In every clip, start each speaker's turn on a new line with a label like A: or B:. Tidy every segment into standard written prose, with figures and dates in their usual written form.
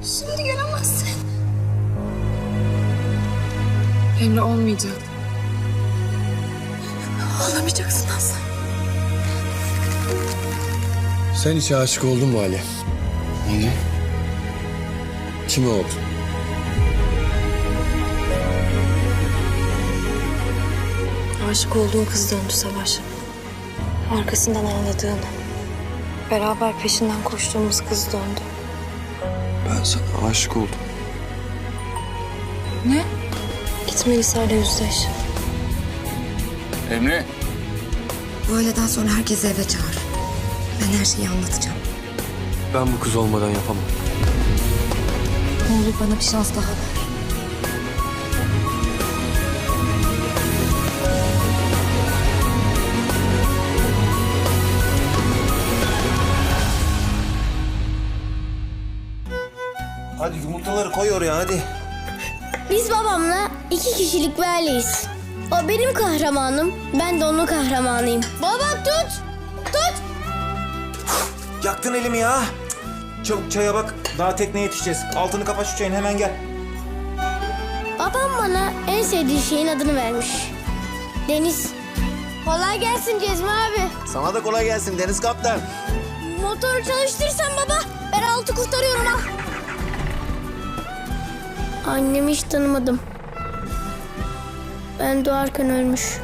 A: Şimdi gelemezsin. Emre olmayacak. Ağlamayacaksın Aslan.
B: Sen hiç aşık oldun mu Ali?
C: Ne?
B: Kime oldun?
A: Aşık olduğu kız döndü Savaş. Arkasından ağladığını, beraber peşinden koştuğumuz kız döndü.
B: Ben sana aşık oldum.
A: Ne? Git Melisa'yla yüzleş.
C: Emre.
D: Bu öğleden sonra herkesi eve çağır. Ben her şeyi anlatacağım.
B: Ben bu kız olmadan yapamam.
D: Ne olur bana bir şans daha ver.
E: Hadi yumurtaları koy oraya hadi.
F: Biz babamla 2 kişilik bir aileyiz. O benim kahramanım, ben de onun kahramanıyım. Baba tut! Tut!
E: Yaktın elimi ya. Çabuk çaya bak. Daha tekneye yetişeceğiz. Altını kapa şu çayın hemen gel.
F: Babam bana en sevdiği şeyin adını vermiş. Deniz. Kolay gelsin Cezmi abi.
E: Sana da kolay gelsin Deniz Kaptan.
F: Motoru çalıştırırsan baba, ben altı kurtarıyorum ha. Annemi hiç tanımadım. Ben doğarken ölmüş.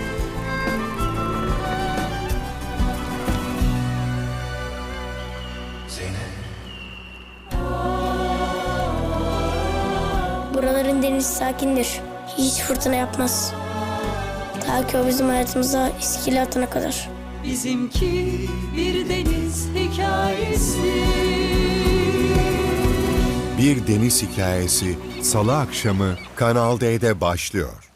F: Buraların denizi sakindir. Hiç fırtına yapmaz. Ta ki o bizim hayatımıza iskele atana kadar.
G: Bizimki bir deniz hikayesi.
H: Bir Deniz Hikayesi Salı akşamı Kanal D'de başlıyor.